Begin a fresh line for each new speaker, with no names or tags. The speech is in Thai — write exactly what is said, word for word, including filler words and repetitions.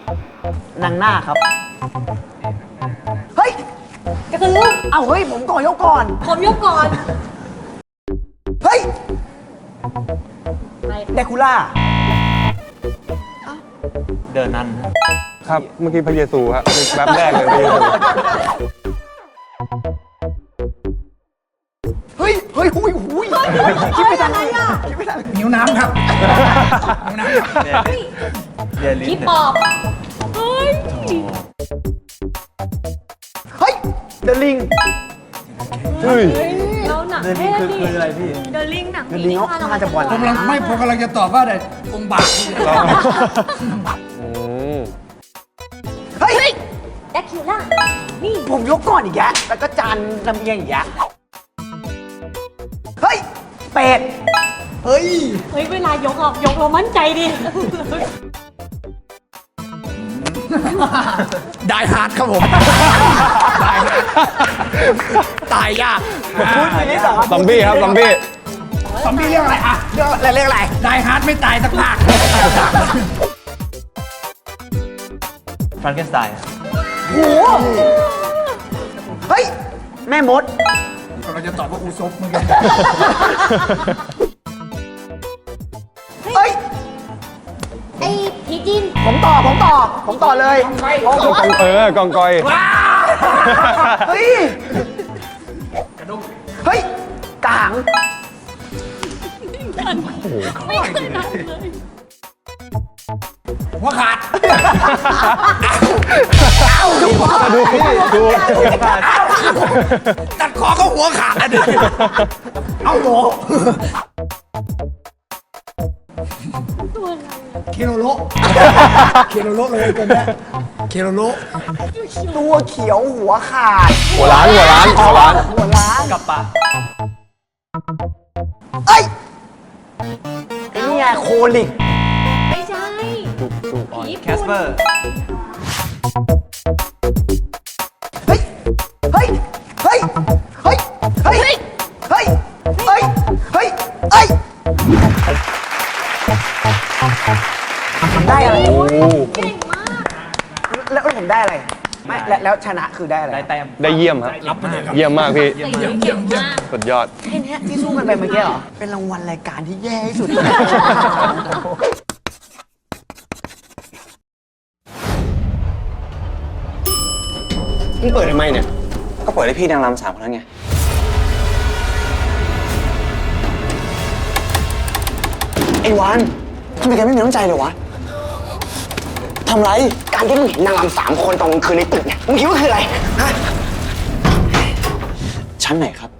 นางหน้าครับ เฮ้ย
กระตือ
เอ้าเฮ้ย ผมก่อนยกก่อน
ผมยกก่อน
เฮ้ย
ไป
เดคูล่า
เดินนั้น
ครับ เมื่อกี้พระเยซูครับแบบแรกเลยพระเยซู
เฮ้ย เฮ้ยหุยหุยคิดไม่ทันเลยอ่ะคิดไม่ทัน
นิ้วน้ำครับนิ้วน้ำครับ
เรียนลิ้
พี่
น
ปอบเฮ้ย
เฮ้ย เดลิง
เฮ้ย
เราหนัก
เดิน
เท่
ลิ้นคือ
ดิ
คืออะไรพี่
เดินลิงหนัก
เดลิงเขาน่าจะบอล
ผมกำลังไม่ผมกำลังจะตอบว่าแต่องค์บากนี่
อืม
เฮ้ย
แดกคิวล่านี่
ผมยกก่อนอีกแยะแล้วก็จานลำเอียงอีกแยะเฮ้ย เป็ด
เฮ้ย
เฮ้ยเวลายกออกยกเรามั่นใจดิ
ได้ฮาร์ดครับผม ตายยาก
พูดทีนี้สอง
ซอมบี้ครับ ซอมบี้
ซอมบี้เรียกอะไรอะ
เรียกอะไรเรียกอะไร
ได้ฮาร์ดไม่ตายสักภาค
ฟรังเกนสไตน์
โหเฮ้ย แม่มด
เราจะตอบว่าอูซบเหมือนกัน
เฮ้ย
ไอ้ผีจีน
ผมต่อ ผมต่อ ผมต่อเลยโอ้โห
เออกองกอย
เฮ้ย เฮ้ยกาง
ไม่เคยทำเลย
หัวขาด
ดูดู
ตัดคอเขาหัวขาดนะดิเอาโหเคโรโลเคโรโลเลยตัวเนี้ยเคโรโล
ตัวเขียวหัวขาด
หัวล้านหัวล้านหัวล้าน
หัวล้าน
กับปะ
เอ้ยไอ้นี่ไงโคลิก
ไม่ใช่
ดูดูอ่อน
ผี
แคสเปอร์
เฮ้ย เฮ้ย เฮ้ย เฮ้ย เฮ้ย เฮ้ย เฮ้ย เฮ้ย เฮ้ยผมได้อะไร
โอ้
เก่งมาก
แล้วผมได้อะไร ไม่ แล้วแล้วชนะคือได้อะไร
ได้แต้ม
ได้เยี่ยมครับ
รับไปเลยครับ
เยี่ยมมากพี่
แต่ยังเก่งมาก
สุดยอด
แค่เนี้ยที่สู้กันไปเมื่อกี้เหรอ เป็นรางวัลรายการที่แย่ที่สุด
มึงเปิดทำไมเนี่ย ก็เปิดให้พี่นางรำสามคนนั้นไง ไอ้วานทำไมแกไม่มีน้ำใจเลยวะ ทำไร
การที่มึงเห็นนางรำสามคนตอนกลางคืนในตึกเนี่ย มึงคิดว่าคืออะไร ฮะ
ชั้นไหนครับ